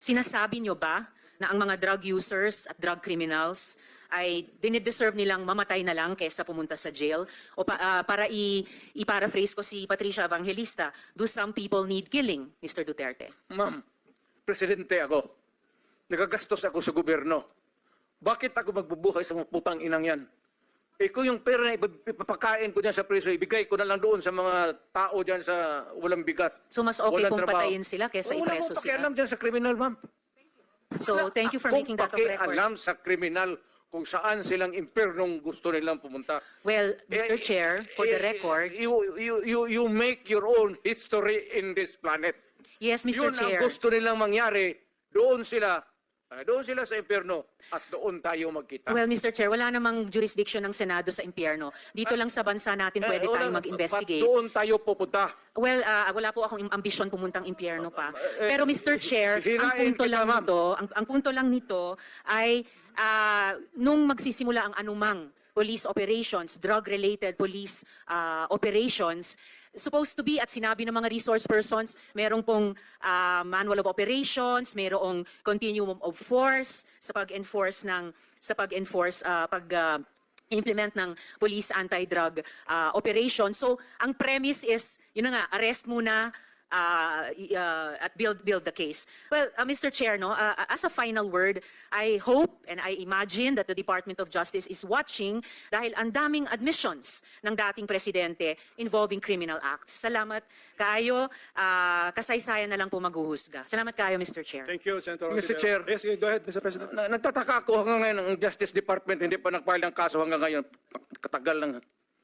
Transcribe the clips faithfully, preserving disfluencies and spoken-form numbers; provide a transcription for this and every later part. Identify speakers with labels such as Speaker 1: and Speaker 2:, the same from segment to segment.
Speaker 1: Sinasabi nyo ba na ang mga drug users at drug criminals ay dinideserve nilang mamatay na lang kaysa pumunta sa jail? O pa, ah, para i- i-paraphrase ko si Patricia Evangelista, do some people need killing, Mister Duterte?
Speaker 2: Ma'am, presidente ako. Nagagastos ako sa gobyerno. Bakit ako magbubuhay sa mga putang inang yan? Eh kung yung pera na ipap- ipapakain ko dyan sa preso, ibigay ko na lang doon sa mga tao dyan sa walang bigat.
Speaker 1: So mas okay
Speaker 2: walang
Speaker 1: kung
Speaker 2: trabaho.
Speaker 1: patayin sila kaysa
Speaker 2: Wala
Speaker 1: ipreso
Speaker 2: akong
Speaker 1: sila?
Speaker 2: pakialam dyan sa kriminal, ma'am.
Speaker 1: So thank you for making that of
Speaker 2: Kung
Speaker 1: record.
Speaker 2: pakialam sa kriminal kung saan silang impernong gusto nilang pumunta.
Speaker 1: Well, Mister
Speaker 2: Eh,
Speaker 1: Chair, for the
Speaker 2: eh,
Speaker 1: record,
Speaker 2: you, you, you, you make your own history in this planet.
Speaker 1: yes, Mister
Speaker 2: Yun ang
Speaker 1: Chair.
Speaker 2: gusto nilang mangyari. Doon sila, ah, doon sila sa impyerno at doon tayo magkita.
Speaker 1: Well, Mister Chair, wala namang jurisdiction ng Senado sa impyerno. Dito lang sa bansa natin pwede
Speaker 2: Eh,
Speaker 1: tayong
Speaker 2: wala-
Speaker 1: mag-investigate.
Speaker 2: Ba't doon tayo pupunta?
Speaker 1: Well, ah, wala po akong im- ambisyon pumuntang impyerno pa.
Speaker 2: Eh,
Speaker 1: Pero Mister Chair, ang
Speaker 2: hirain
Speaker 1: punto
Speaker 2: kita,
Speaker 1: lang
Speaker 2: ma'am.
Speaker 1: nito, ang, ang punto lang nito ay ah, nung magsisimula ang anumang police operations, drug-related police ah, operations, supposed to be at sinabi ng mga resource persons, merong pong ah, manual of operations, merong continuum of force sa pag-enforce ng sa pag-enforce ah, pag ah, implement ng police anti-drug uh, operation. So, ang premise is, yun na nga, arrest muna uh, y- uh, at build build the case. Well, uh, Mister Chair, no, uh, as a final word, I hope and I imagine that the Department of Justice is watching dahil ang daming admissions ng dating presidente involving criminal acts. Salamat kayo. Uh, kasaysayan na lang po maghuhusga. Salamat kayo, Mister Chair.
Speaker 3: Thank you, Senator
Speaker 2: Mister
Speaker 3: Ontiveros.
Speaker 2: Chair.
Speaker 3: Yes, go ahead, Mister President.
Speaker 2: Na, nagtataka ako hanggang ngayon, ang Justice Department hindi pa nag-file ng kaso hanggang ngayon. Katagal lang.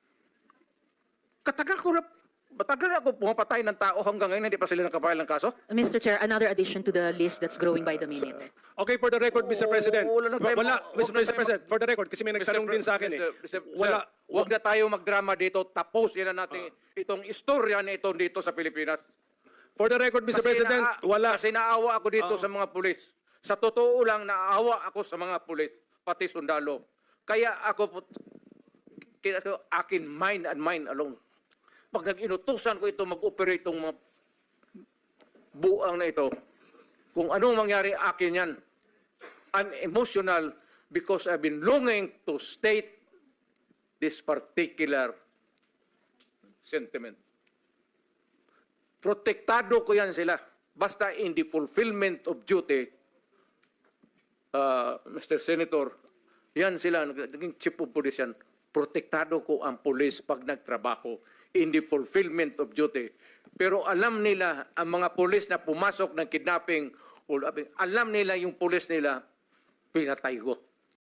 Speaker 2: Katagal ko na, matagal na ako pumapatay ng tao hanggang ngayon, hindi pa sila nakapile ng kaso.
Speaker 1: Mister Chair, another addition to the list that's growing by the minute.
Speaker 3: Okay, for the record, Mister President.
Speaker 2: wala na tayo-
Speaker 3: Wala,
Speaker 2: wag
Speaker 3: Mister
Speaker 2: na tayo-
Speaker 3: President, for the record, kasi may nagtanong din sa akin eh.
Speaker 2: Mister Mister
Speaker 3: Wala,
Speaker 2: Sir, Huwag na tayo magdrama dito. Tapos yan na natin itong istorya na ito dito sa Pilipinas.
Speaker 3: for the record, Mister
Speaker 2: Kasi
Speaker 3: President,
Speaker 2: naa-
Speaker 3: wala.
Speaker 2: Kasi naawa ako dito sa mga pulis. Sa totoo lang, naawa ako sa mga pulis, pati sundalo. Kaya ako po, kaya ko, akin mind and mind alone. Pag nag-inutusan ko ito, mag-operate itong mga buang na ito, kung anong mangyari akin yan, I'm emotional because I've been longing to state this particular sentiment. Protektado ko yan sila. Basta in the fulfillment of duty, uh, Mister Senator, yan sila, naging chief of police yan, protektado ko ang police pag nagtrabaho in the fulfillment of duty. Pero alam nila, ang mga police na pumasok ng kidnapping, o alam nila yung police nila, pinatay ko.